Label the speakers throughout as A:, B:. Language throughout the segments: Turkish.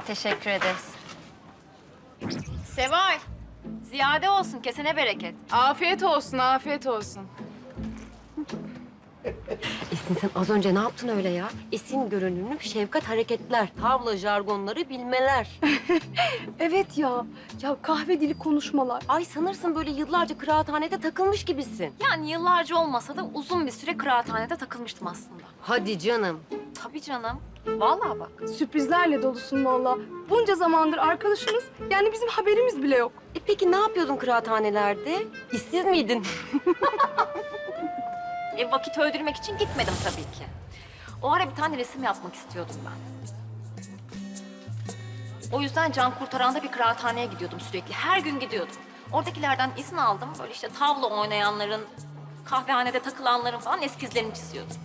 A: Teşekkür ederiz. Seval, ziyade olsun, kesene bereket.
B: Afiyet olsun, afiyet olsun.
C: Esin sen az önce ne yaptın öyle ya? Esin görünümlü şefkat hareketler, tavla jargonları bilmeler.
D: Evet ya. Ya kahve dili konuşmalar.
C: Ay sanırsın böyle yıllarca kıraathanede takılmış gibisin.
A: Yani yıllarca olmasa da uzun bir süre kıraathanede takılmıştım aslında.
C: Hadi canım.
A: Tabii canım. Vallahi bak.
D: Sürprizlerle dolusun valla. Bunca zamandır arkadaşımız. Yani bizim haberimiz bile yok.
C: Peki ne yapıyordun kıraathanelerde? İşsiz miydin?
A: Vakit öldürmek için gitmedim tabii ki. O ara bir tane resim yapmak istiyordum ben. O yüzden can kurtaranda bir kıraathaneye gidiyordum sürekli. Her gün gidiyordum. Oradakilerden izin aldım. Böyle işte tavla oynayanların, kahvehanede takılanların falan eskizlerini çiziyordum.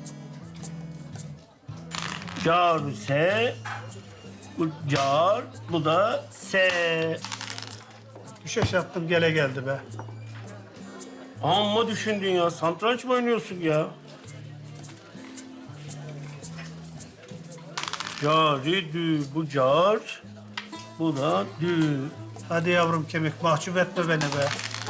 E: Car se, bu car, bu da se.
F: Bir şaşırttım gele geldi be.
E: Amma düşündün ya. Satranç mı oynuyorsun ya? Cari dü, bu car, bu da dü.
F: Hadi yavrum kemik mahcup etme beni be.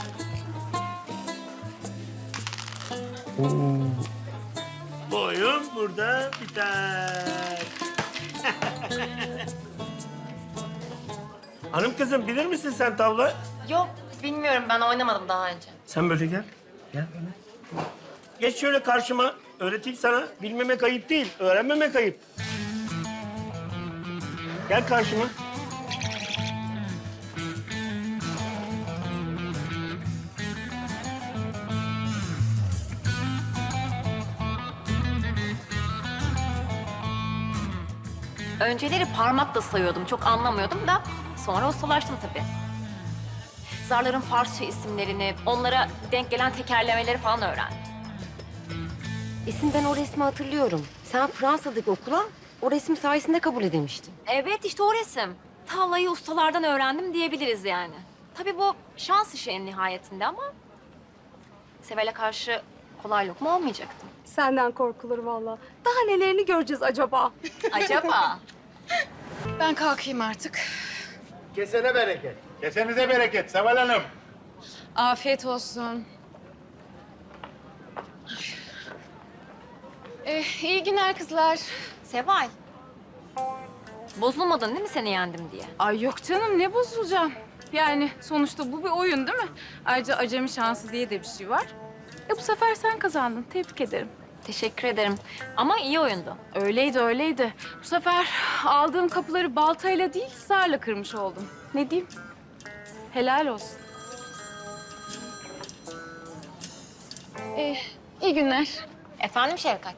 E: Bu oyun burada biter. Hanım kızım bilir misin sen tavla?
A: Yok, bilmiyorum. Ben oynamadım daha önce.
E: Sen böyle gel. Gel böyle. Geç şöyle karşıma. Öğreteyim sana. Bilmemek ayıp değil. Öğrenmemek ayıp. Gel karşıma.
A: Önceleri parmakla sayıyordum. Çok anlamıyordum da sonra ustalaştım tabii. Zarların Farsça isimlerini, onlara denk gelen tekerlemeleri falan öğrendim.
C: Esin ben o resmi hatırlıyorum. Sen Fransa'daki okula o resim sayesinde kabul edilmiştin.
A: Evet, işte o resim. Tavlayı ustalardan öğrendim diyebiliriz yani. Tabii bu şans işi en nihayetinde ama... Seval'e karşı kolay lokma olmayacaktım.
D: Senden korkulur valla. Daha nelerini göreceğiz acaba?
A: Acaba?
B: Ben kalkayım artık.
G: Kesene bereket. Kesenize bereket Seval Hanım.
B: Afiyet olsun. İyi günler kızlar.
A: Seval. Bozulmadın değil mi seni yendim diye?
B: Ay yok canım, ne bozulacağım? Yani sonuçta bu bir oyun değil mi? Ayrıca acemi şansı diye de bir şey var. Bu sefer sen kazandın, tebrik ederim.
A: Teşekkür ederim. Ama iyi oyundu.
B: Öyleydi, öyleydi. Bu sefer aldığım kapıları baltayla değil, zarla kırmış oldum. Ne diyeyim? Helal olsun. İyi günler.
A: Efendim Şevkat?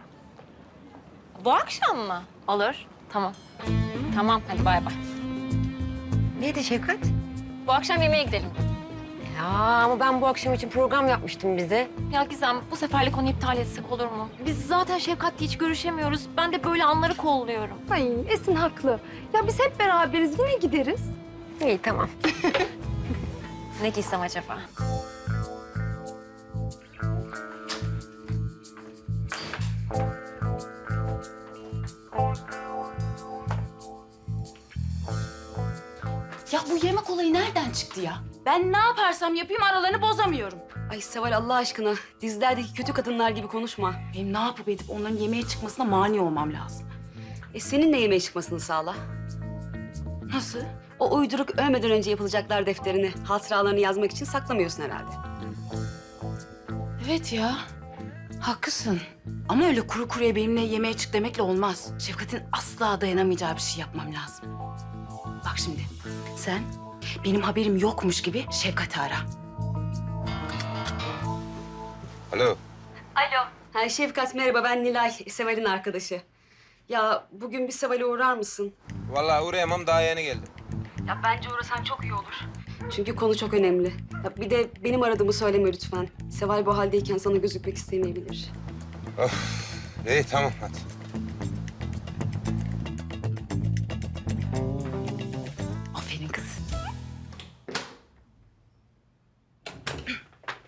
A: Bu akşam mı? Olur. Tamam. Tamam, hadi bay bay.
C: Neydi Şefkat?
A: Bu akşam yemeğe gidelim.
C: Ya ama ben bu akşam için program yapmıştım bize.
A: Ya Gizem, bu seferlik onu iptal etsek olur mu? Biz zaten Şevkat'le hiç görüşemiyoruz. Ben de böyle anları kolluyorum.
D: Ay Esin haklı. Ya biz hep beraberiz. Yine gideriz.
C: İyi tamam.
A: Ne giysem acaba?
B: Ya bu yemek olayı nereden çıktı ya? Ben ne yaparsam yapayım aralarını bozamıyorum.
H: Ay Seval Allah aşkına dizilerdeki kötü kadınlar gibi konuşma.
B: Benim ne yapıp edip onların yemeğe çıkmasına mani olmam lazım.
H: Senin de yemeğe çıkmasını sağla.
B: Nasıl?
H: O uyduruk ölmeden önce yapılacaklar defterini, hatıralarını yazmak için saklamıyorsun herhalde.
B: Evet ya. Haklısın. Ama öyle kuru kuruya benimle yemeğe çık demekle olmaz. Şefkat'in asla dayanamayacağı bir şey yapmam lazım. Bak şimdi, sen benim haberim yokmuş gibi Şefkat'i ara.
I: Alo.
H: Ha, Şefkat merhaba, ben Nilay, Seval'in arkadaşı. Ya bugün bir Seval'e uğrar mısın?
I: Vallahi uğrayamam, daha yeni geldim.
H: Ya bence uğrasan çok iyi olur. Çünkü konu çok önemli. Ya bir de benim aradığımı söyleme lütfen. Seval bu haldeyken sana gözükmek istemeyebilir.
I: İyi tamam hadi.
B: Aferin kız.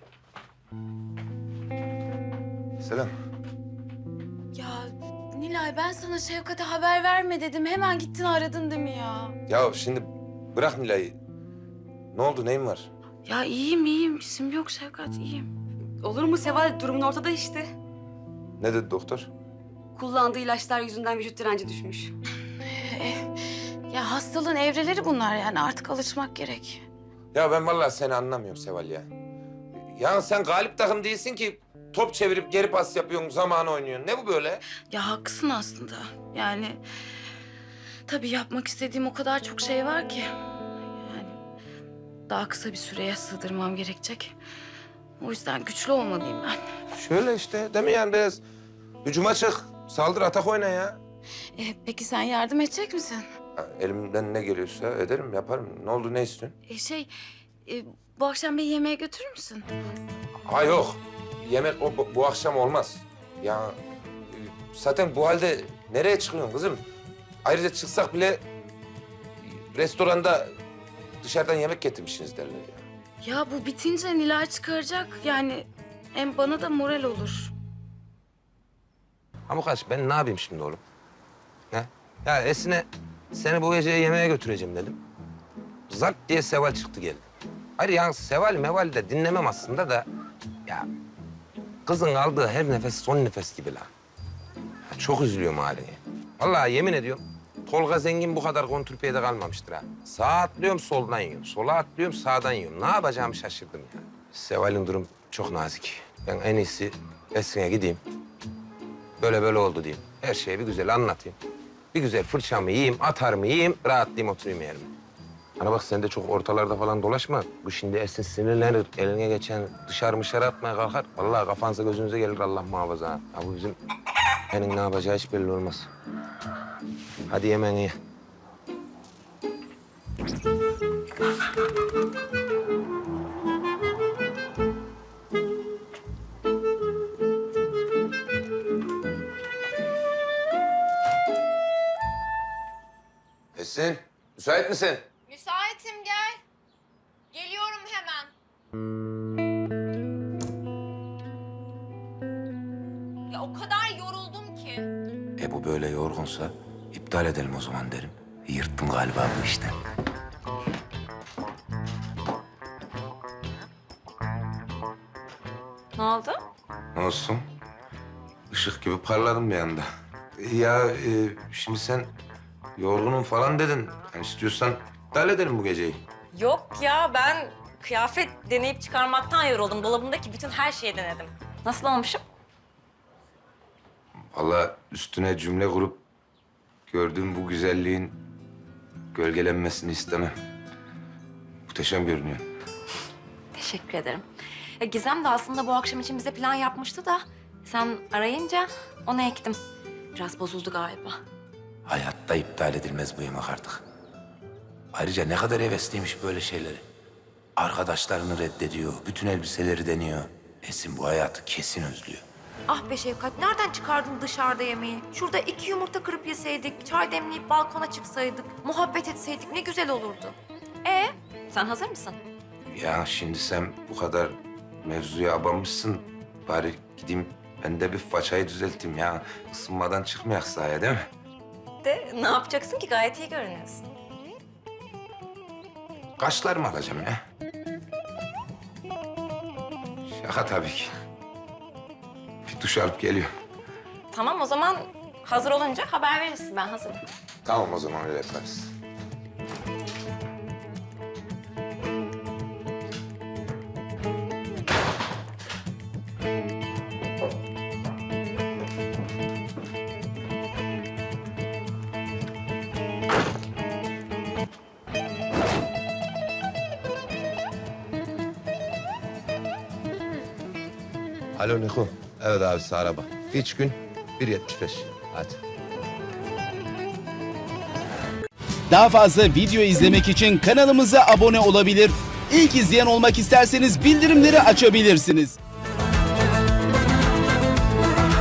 I: Selam.
B: Ya Nilay, Ya ben sana Şevkat'e haber verme dedim. Hemen gittin aradın değil mi ya?
I: Ya şimdi bırak Nilay'ı. Ne oldu, neyin var?
B: Ya iyiyim. İsim yok Şevkat, iyiyim.
H: Olur mu Seval? Durumun ortada işte.
I: Ne dedi doktor?
H: Kullandığı ilaçlar yüzünden vücut direnci düşmüş.
B: Ya hastalığın evreleri bunlar yani. Artık alışmak gerek.
I: Ya ben vallahi seni anlamıyorum Seval ya. Ya sen galip takım değilsin ki top çevirip geri pas yapıyorsun, zamanı oynuyorsun. Ne bu böyle?
B: Ya haklısın aslında. Yani tabii yapmak istediğim o kadar çok şey var ki. Yani daha kısa bir süreye sığdırmam gerekecek. O yüzden güçlü olmalıyım ben.
I: Şöyle işte değil mi yani biraz? Hücuma çık, saldır, atak oyna ya.
B: Peki sen yardım edecek misin?
I: Ha, elimden ne geliyorsa ederim, yaparım. Ne oldu, ne istiyorsun?
B: Bu akşam beni yemeğe götürür müsün?
I: Ha yok, yemek bu akşam olmaz. Ya zaten bu halde nereye çıkıyorsun kızım? Ayrıca çıksak bile restoranda dışarıdan yemek getirmişsiniz derler ya.
B: Ya bu bitince Nilay çıkaracak. Yani hem bana da moral olur.
I: Amukaç ben ne yapayım şimdi oğlum? Ne? Ya Esin'e seni bu gece yemeğe götüreceğim dedim. Zart diye Seval çıktı geldi. Hayır yani Seval meval de dinlemem aslında da... Ya kızın aldığı her nefes son nefes gibi lan. Ya, çok üzülüyorum haline. Vallahi yemin ediyorum Tolga Zengin bu kadar kontrpiyede kalmamıştır ha. Sağa atlıyorum soldan yiyorum. Sola atlıyorum sağdan yiyorum. Ne yapacağımı şaşırdım ya. Seval'in durum çok nazik. Ben en iyisi Esin'e gideyim. Böyle oldu diyeyim. Her şeyi bir güzel anlatayım. Bir güzel fırçamı yiyeyim, atarımı yiyeyim, rahatlayayım oturayım yerime. Ana bak sen de çok ortalarda falan dolaşma. Bu şimdi Esin sinirlenir. Eline geçen dışarı atmaya kalkar. Vallahi kafanıza gözünüze gelir Allah muhafaza. Ha bu bizim benim ne yapacağı hiç belli olmaz. Hadi yemeğini ye. Esin, müsait misin?
A: Müsaitim, gel. Geliyorum hemen. Ya o kadar yoruldum ki.
I: Bu böyle yorgunsa iptal edelim o zaman derim. Yırttım galiba bu işte.
A: Ne oldu?
I: Ne olsun? Işık gibi parladım bir anda. Ya şimdi sen yorgunum falan dedin. Yani istiyorsan iptal edelim bu geceyi.
A: Yok ya, ben kıyafet deneyip çıkarmaktan yoruldum. Dolabımdaki bütün her şeyi denedim. Nasıl olmuşum?
I: Vallahi üstüne cümle kurup gördüğüm bu güzelliğin gölgelenmesini istemem. Muhteşem görünüyor.
A: Teşekkür ederim. Gizem de aslında bu akşam için bize plan yapmıştı da... ...sen arayınca onu ektim. Biraz bozuldu galiba.
I: Hayatta iptal edilmez bu yemek artık. Ayrıca ne kadar hevesliymiş böyle şeyleri. Arkadaşlarını reddediyor, bütün elbiseleri deniyor. Esin bu hayatı kesin özlüyor.
A: Ah be Şevkat, nereden çıkardın dışarıda yemeği? Şurada 2 yumurta kırıp yeseydik, çay demleyip balkona çıksaydık, muhabbet etseydik ne güzel olurdu. Sen hazır mısın?
I: Ya şimdi sen bu kadar mevzuya abanmışsın. Bari gideyim ben de bir façayı düzelteyim ya. Isınmadan çıkmayak sahaya değil mi?
A: Ne yapacaksın ki? Gayet iyi görünüyorsun.
I: Kaşlarımı alacağım ya. Şaka tabii ki. Bir duş alıp geliyorum.
A: Tamam, o zaman hazır olunca haber verirsin. Ben hazırım.
I: Tamam o zaman öyle yaparız. Alo Niko. Evet abisi araba. İç gün 1.75. Hadi.
J: Daha fazla video izlemek için kanalımıza abone olabilir. İlk izleyen olmak isterseniz bildirimleri açabilirsiniz.